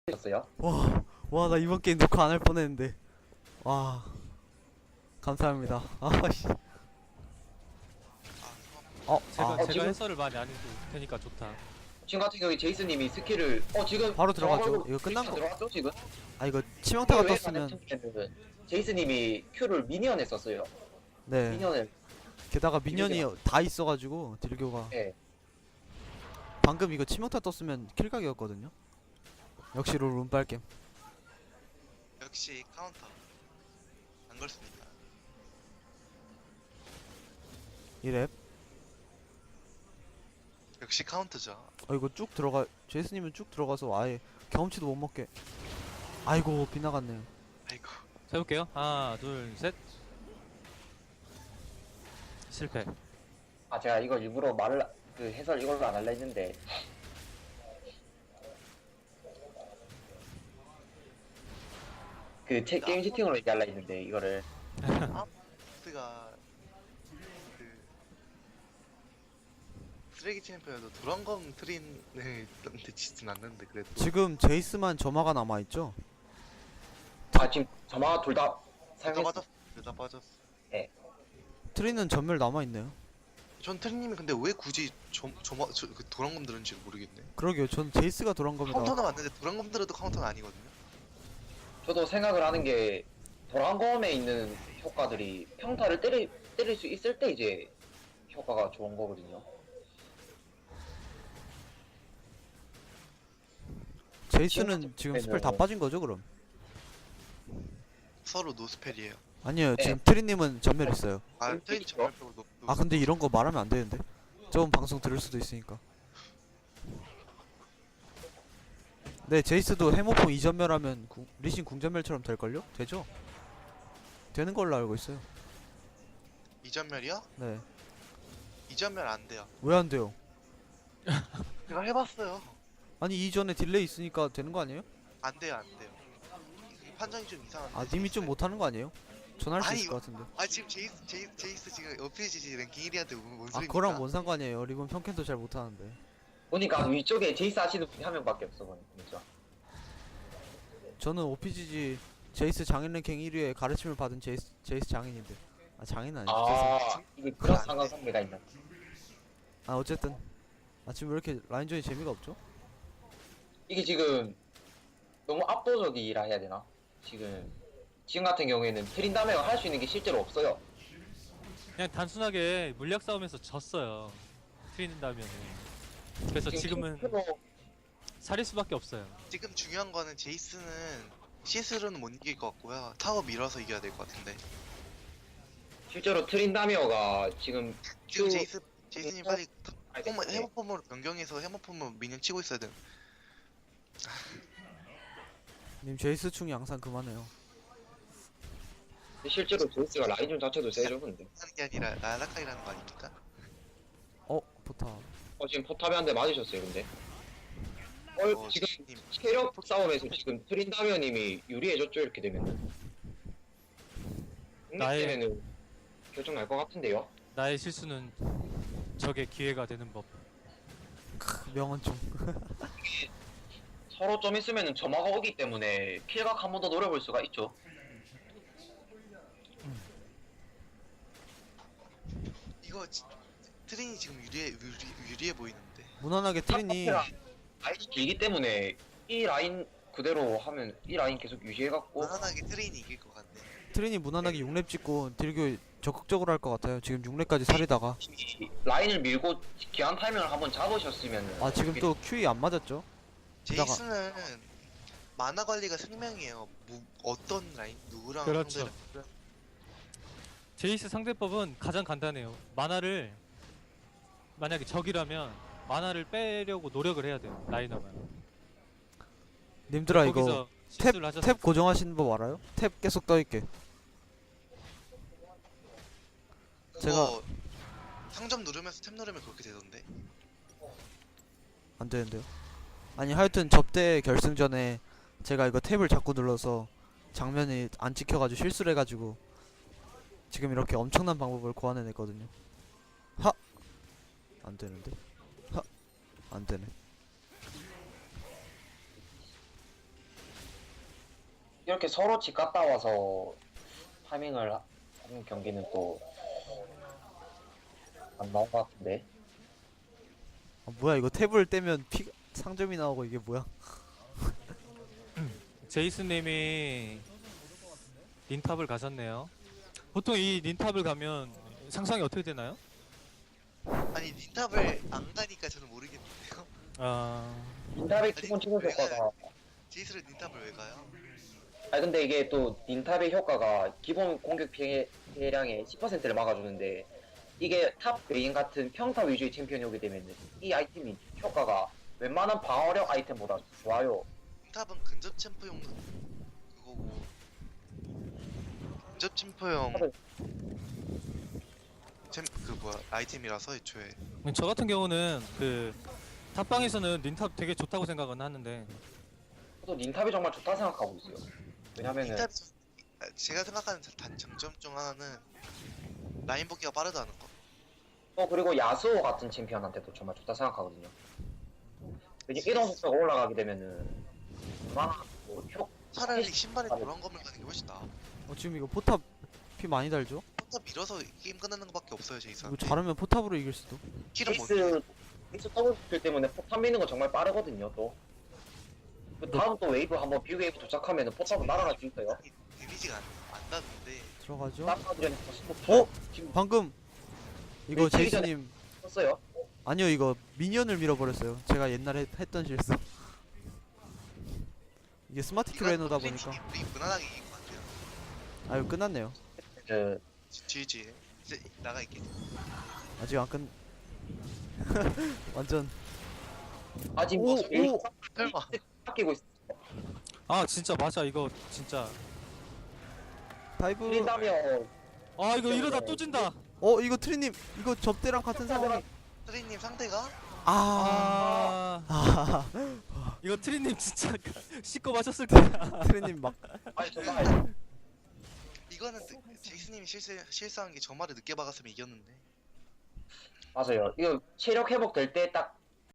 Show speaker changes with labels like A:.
A: 었어요.
B: 와, 나 이번 게임 녹화 안 할 뻔했는데. 와, 감사합니다. 아씨.
C: 제가
A: 지금-
C: 해설을 많이 안 해도 되니까 좋다.
A: 지금 같은 경우에 제이스님이 스킬을 지금
B: 바로 들어가죠.
A: 정확하고
B: 이거 끝난 거.
A: 들어갔죠 지금?
B: 이거 치명타가
A: 왜
B: 떴으면.
A: 말했냐면은 제이스님이 Q를 미니언에 썼어요.
B: 네.
A: 미니언을
B: 게다가 미니언이 다 있어가지고 딜교가.
A: 예.
B: 방금 이거 치명타 떴으면 킬각이었거든요. 역시 롤 운빨겜.
D: 역시 카운터 안 걸습니다.
B: 이랩.
D: 역시 카운터죠.
B: 이거 쭉 들어가. 제이스님은 쭉 들어가서 아예 경험치도 못 먹게. 아이고 빗나갔네요.
D: 아이고
C: 자, 해볼게요. 하나, 둘, 셋. 실패.
A: 제가 이거 일부러 말을 그 해설 이걸로 안 할라 했는데 그 게임 채팅으로 얘기할라 했는데 이거를
D: 스가 그 쓰레기 챔피언도 도란검 트린을 던지진 않는데 그래도
B: 지금 제이스만 점화가 남아있죠?
A: 지금 저마 둘 다
D: 다
A: 사용했어.
D: 빠졌어. 다 빠졌어.
B: 트리는 전멸 남아있네요.
D: 전 트린님이 근데 왜 굳이 그 도란검 들은지 모르겠네.
B: 그러게요. 전 제이스가 돌아온 겁니다.
D: 카운터는 맞는데 도란검 들어도 카운터는 아니거든요.
A: 저도 생각을 하는 게 도란검에 있는 효과들이 평타를 때릴 수 있을 때 이제 효과가 좋은 거거든요.
B: 제이스는 지금 스펠 다 빠진 거죠, 그럼?
D: 서로 노스펠이에요.
B: 아니요,
A: 네.
B: 지금 트리님은 전멸 있어요.
D: 트린 정말적으로
B: 근데 이런 거 말하면 안 되는데. 저번 방송 들을 수도 있으니까. 네, 제이스도 해모포 2전멸하면 리신 궁전멸처럼 될걸요? 되죠? 되는 걸로 알고 있어요.
D: 이전멸이요?
B: 네.
D: 이전멸 안 돼요.
B: 왜 안 돼요?
D: 제가 해봤어요.
B: 아니, 이전에 딜레이 있으니까 되는 거 아니에요?
D: 안 돼요, 안 돼요. 이 판정이 좀 이상한데.
B: 님이 좀 못하는 거 아니에요? 전 할 수
D: 아니,
B: 있을 것 같은데.
D: 지금 제이스 지금 어필지지 랭킹 1위한테 뭔 소리입니까?
B: 그거랑 뭔 상관이에요? 리본 평캔도 잘 못하는데.
A: 보니까 위쪽에 제이스 하시는 분이 한 명밖에 없어 보니까.
B: 저는 OPGG 제이스 장인 랭킹 1위에 가르침을 받은 제이스 장인인데. 장인은 아니죠. 죄송해요.
A: 이게 그런 상관관계가 있나?
B: 어쨌든. 지금 왜 이렇게 라인전이 재미가 없죠?
A: 이게 지금 너무 압도적이라 해야 되나? 지금 같은 경우에는 트린다메가 할 수 있는 게 실제로 없어요.
C: 그냥 단순하게 물약 싸움에서 졌어요. 트린다면은. 그래서 지금은 살릴 수밖에 없어요.
D: 지금 중요한 거는 제이스는 CS로는 못 이길 것 같고요. 타워 밀어서 이겨야 될 것 같은데.
A: 실제로 트린다메어가 지금
D: 지금
A: Q-
D: 제이스님 빨리
A: 알겠어요.
D: 해머폼으로 변경해서 해머폼으로 미니언 치고 있어야 돼.
B: 님 제이스 충이 항상 그만해요.
A: 실제로 제이스가 라인전 자체도 세죠 근데.
D: 하는 게 아니라 나라카이라는 거 아닙니까?
B: 포탑.
A: 지금 포탑에 한 대 맞으셨어요 근데. 지금
D: 제이스님
A: 체력 싸움에서 지금 트린다메어님이 유리해졌죠 이렇게 되면은.
C: 나의-
A: 때문에는 결정 날 것 같은데요.
C: 나의 실수는 적의 기회가 되는 법.
B: 명언 좀.
A: 서로 좀 있으면은 점화가 오기 때문에 킬각 한 번 더 노려볼 수가 있죠.
D: 이거 트린이 지금 유리해 보이는데.
B: 무난하게 트린이
A: 라인이 길기 때문에 이 라인 그대로 하면 이 라인 계속 유지해갖고
D: 무난하게 트린이 이길 것 같네.
B: 트린이 무난하게 6렙 찍고 딜교 적극적으로 할 것 같아요. 지금 6렙까지 살리다가.
A: 이 라인을 밀고 기한 타이밍을 한번 잡으셨으면은
B: 지금 또 QE 안 맞았죠?
D: 제이스는 만화 관리가 생명이에요. 어떤 라인 누구랑
C: 그렇죠.
D: 상대를
C: 제이스 상대법은 가장 간단해요. 만화를 만약에 적이라면 만화를 빼려고 노력을 해야 돼요. 라이너만.
B: 님들아 이거
C: 거기서 실수를 하셨.
B: 탭 고정하시는 법 알아요? 탭 계속 떠있게.
D: 그거 상점 누르면서 탭 누르면 그렇게 되던데.
B: 안 되는데요? 아니 하여튼 접대 결승전에 제가 이거 탭을 자꾸 눌러서 장면이 안 찍혀가지고 실수를 해가지고 지금 이렇게 엄청난 방법을 고안해냈거든요. 안 되는데? 안 되네.
A: 이렇게 서로 집 갔다 와서 타밍을 하는 경기는 또 안 나온 것 같은데.
B: 아, 뭐야 이거 탭을 떼면 상점이 나오고 이게 뭐야?
C: 제이스님이 닌탑을 가셨네요. 보통 이 닌탑을 가면 상상이 어떻게 되나요?
D: 아니 닌탑을 안 가니까 저는 모르겠는데요.
C: 아,
A: 닌탑의 기본 치는 효과가
D: 제이스를 닌탑을 왜 가요?
A: 아니 근데 이게 또 닌탑의 효과가 기본 공격 피해량의 10%를 막아주는데 이게 탑 베인 같은 평타 위주의 챔피언이 오게 되면 이 아이템이 효과가 웬만한 방어력 아이템보다 좋아요.
D: 닌탑은 근접 챔프용 그거고 근접 챔프용 그 뭐야 아이템이라서 애초에
C: 저 같은 경우는 그 탑방에서는 닌탑 되게 좋다고 생각은 하는데
A: 저도 닌탑이 정말 좋다 생각하고 있어요. 왜냐면은
D: 닌탑이 제가 생각하는 단장점 중 하나는 라인 복귀가 빠르다는 거.
A: 그리고 야스오 같은 챔피언한테도 정말 좋다 생각하거든요. 이제 이동 속도가 올라가게 되면은 얼마나
D: 차라리 신발에 노란 검을 가는 게 훨씬 나아.
B: 지금 이거 포탑 피 많이 달죠?
D: 포탑 밀어서 게임 끝나는 것밖에 없어요 제이슨.
B: 이거 잘하면 포탑으로 이길 수도.
D: 킬은 못
A: 베이스 더블 스킬 때문에 포탑 미는 거 정말 빠르거든요. 또 그 다음 또 웨이브 한번 비 웨이브 도착하면은 포탑은 날아갈 수 있어요.
D: 데미지가 안 나는데
B: 들어가죠.
A: 땀파들은
B: 지금 방금 이거
A: 네, 치기 전에-
B: 제이스님
A: 썼어요.
B: 아니요 이거 미니언을 밀어버렸어요. 제가 옛날에 했던 실수. 이게 스마트 큐레너다 보니까
D: 우리 무난하게 이긴 것 같아요.
B: 아유 끝났네요.
A: 그
D: GG 이제 나가 있겠지.
B: 아직 안 끝. 완전
A: 아직
B: 오,
A: 뭐
B: 오.
D: 설마
A: 아끼고 있어.
C: 아 진짜 맞아 이거 진짜
B: 다이브.
A: 틀린다면
C: 아 이거 이러다 또 진다.
B: 이거 트리님 이거 접대랑 같은 상황이.
D: 트리님 상대가
B: 아.
C: 아, 이거 트리님 진짜 씻고 마셨을 거야.
B: 트리님 막
A: 아니 정말
D: 이거는 제이스님이 실수한 게 저 말을 늦게 박았으면 이겼는데.
A: 맞아요. 이거 체력 회복 될 때 딱